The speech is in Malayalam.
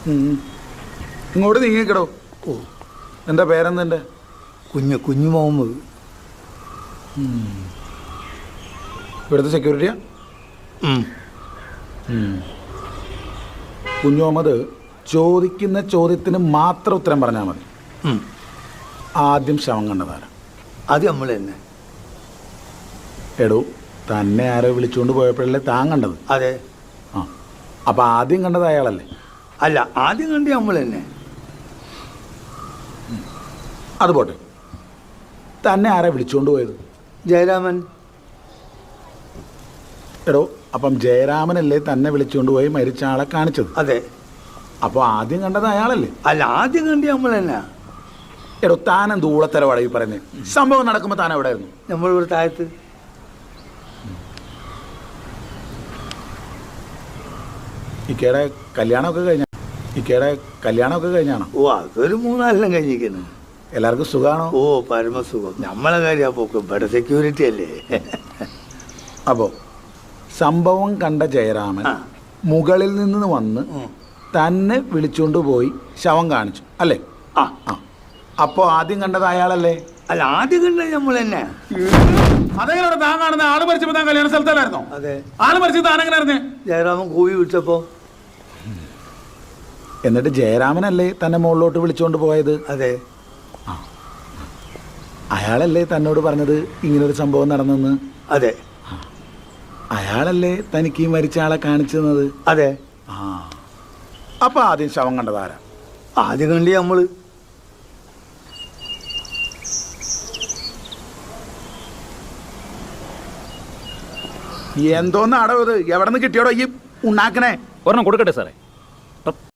ഇങ്ങോട്ട് നീങ്ങിക്കടോ. ഓ, എൻ്റെ പേരെന്തെൻ്റെ? കുഞ്ഞു മുഹമ്മദ്. ഇവിടുത്തെ സെക്യൂരിറ്റിയാ? കുഞ്ഞു മുഹമ്മദ് ചോദിക്കുന്ന ചോദ്യത്തിന് മാത്രം ഉത്തരം പറഞ്ഞാൽ മതി. ആദ്യം ശവം കണ്ടതാരാ? അത് നമ്മൾ തന്നെ. എടോ, തന്നെ ആരോ വിളിച്ചുകൊണ്ട് പോയപ്പോഴല്ലേ താൻ കണ്ടത്? അതെ. ആ, അപ്പം ആദ്യം കണ്ടത് അയാളല്ലേ? അല്ല, ആദ്യം കണ്ട് നമ്മൾ തന്നെ. അത് പോട്ടെ, തന്നെ ആരാ വിളിച്ചുകൊണ്ട് പോയത്? ജയരാമൻ. എടോ, അപ്പം ജയരാമനല്ലേ തന്നെ വിളിച്ചുകൊണ്ട് പോയി മരിച്ച ആളെ കാണിച്ചത്? അതെ. അപ്പോൾ ആദ്യം കണ്ടത് അയാളല്ലേ? അല്ല, ആദ്യം കണ്ട് നമ്മൾ തന്നെ. എടോ, താനെന്ത് ഊളത്തരവാടാ ഈ പറയുന്നത്? സംഭവം നടക്കുമ്പോൾ താൻ എവിടെ ആയിരുന്നു? നമ്മളിവിടെ താഴത്ത്. ഇക്കയുടെ കല്യാണമൊക്കെ കഴിഞ്ഞാണോ? ഓ, അതൊരു 3-4 കഴിഞ്ഞിരിക്കുന്നു. എല്ലാവർക്കും സുഖമാണോ? ഓ, പരമസുഖം. നമ്മളെ കാര്യം പോക്ക് ഇവിടെ സെക്യൂരിറ്റി അല്ലേ. അപ്പോൾ സംഭവം കണ്ട ജയരാമൻ മുകളിൽ നിന്ന് വന്ന് തന്നെ വിളിച്ചുകൊണ്ട് പോയി ശവം കാണിച്ചു അല്ലേ? ആ. അപ്പോൾ ആദ്യം കണ്ടത് അയാളല്ലേ? അല്ല, ആദ്യം കണ്ടത് നമ്മൾ തന്നെ. അതെങ്ങനെ താൻ കാണുന്ന ആള് മരിച്ചപ്പോൾ താൻ കല്യാണ സ്ഥലത്തല്ലായിരുന്നോ? അതെ. ആള് മരിച്ചത് താൻ എങ്ങനെ അറിഞ്ഞേ? ജയരാമൻ കൂവി വിളിച്ചപ്പോ. എന്നിട്ട് ജയരാമനല്ലേ തന്നെ മുകളിലോട്ട് വിളിച്ചുകൊണ്ട് പോയത്? അതെ. അയാളല്ലേ തന്നോട് പറഞ്ഞത് ഇങ്ങനൊരു സംഭവം നടന്നെന്ന്? അതെ. അയാളല്ലേ തനിക്ക് ഈ മരിച്ച ആളെ കാണിച്ചു തന്നത്? അതെ. അപ്പൊ ആദ്യം ശവം കണ്ടതാരാ? ആദ്യം കണ്ടി നമ്മള്. എന്തോന്ന് അടവ് ഇത്? എവിടെ നിന്ന് കിട്ടിയോടോ ഈ ഉണ്ടാക്കണേ? ഒരെണ്ണം കൊടുക്കട്ടെ സാറേ.